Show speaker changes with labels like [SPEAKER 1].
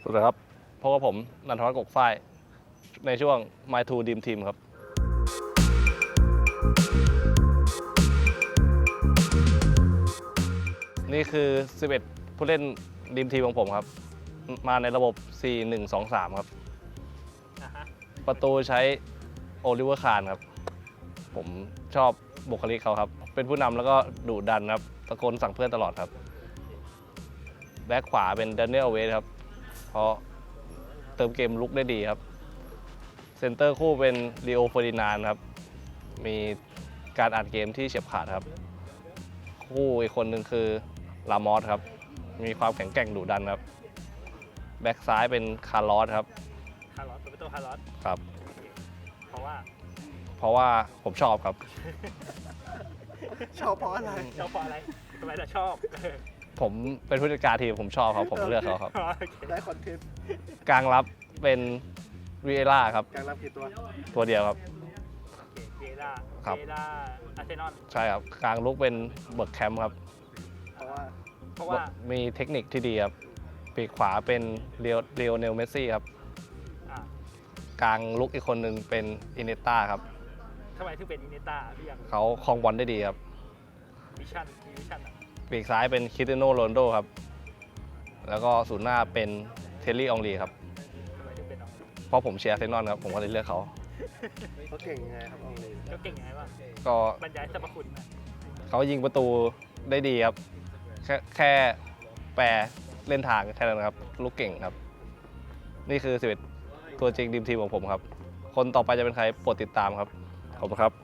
[SPEAKER 1] สวัสดีครับพบกับผมนันทวัฒน์กกฝ้ายในช่วง My Two Dream Team ครับนี่คือ 11 ผู้เล่นดีมทีมของผมครับมาในระบบ 4-1-2-3 ครับประตูใช้โอลิเวอร์คาร์นครับผมชอบบุคลิกเขาครับเป็นผู้นำแล้วก็ดุดันครับตะโกนสั่งเพื่อนตลอดครับแบ็คขวาเป็นแดเนียลเวสครับเพราะเติมเกมลุกได้ดีครับเซนเตอร์คู่เป็นลีโอเฟอร์ดินานด์ครับมีการอ่านเกมที่เฉียบขาดครับคู่อีกคนหนึ่งคือลามอสครับมีความแข็งแกร่งดุดันครับแบ็คซ้ายเป็นคาร์ลอสครับ
[SPEAKER 2] คาร์ลอสเป็นตัวคาร์ลอส
[SPEAKER 1] ครับ
[SPEAKER 2] เพราะว่า
[SPEAKER 1] ผมชอบครับ
[SPEAKER 3] ชอบเพราะอะไร
[SPEAKER 2] ชอบเพราะอะไรทำไมถึงชอบ
[SPEAKER 1] ผมเป็นผู้จัดการทีมผมชอบครับผมเลือกเขาครับ
[SPEAKER 3] ได้คอนเทนต์
[SPEAKER 1] กลางรับเป็นวีเอล่าครับ
[SPEAKER 3] การรับกี่ตัว
[SPEAKER 1] ตัวเดียวครับ
[SPEAKER 2] เวล่า
[SPEAKER 1] ครับ
[SPEAKER 2] เวล่าอาร์เซนอล
[SPEAKER 1] ใช่ครับกลางลุกเป็นเบิร์กแคมป์ครับ
[SPEAKER 3] เพราะว่า
[SPEAKER 1] มีเทคนิคที่ดีครับปีกขวาเป็นเรียวเนลเมสซี่ครับ
[SPEAKER 2] อ่ะ
[SPEAKER 1] กลางลุกอีกคนหนึ่งเป็นอินเนต้าครับ
[SPEAKER 2] ทำไมถึงเป็นอินเนต้าพี่ยัง
[SPEAKER 1] เขาครองบอลได้ดีครับ
[SPEAKER 2] วิชั่นมีวิชั่นอ่ะ
[SPEAKER 1] ปีกซ้ายเป็นคริสเตียโนโรนัลโดครับแล้วก็ศูนย์หน้าเป็นเทลลี่อองรีครับ
[SPEAKER 2] ทำไมถึงเป็นน้อง
[SPEAKER 1] เพราะผมเชียร์อาร์เซนอลครับผมก็เลยเลือกเขา
[SPEAKER 3] เขาเก่งยังไงครับอองลี
[SPEAKER 2] เขาเก่งยังไงบ้าง
[SPEAKER 1] ก็
[SPEAKER 2] บรรยายสรรพคุณนะ
[SPEAKER 1] เขายิงประตูได้ดีครับแค่แปรเล่นทางแค่นั้นครับลูกเก่งครับ นี่คือ11ตัวจริงดีมทีมของผมครับคนต่อไปจะเป็นใครโปรดติดตามครับขอบคุณครับ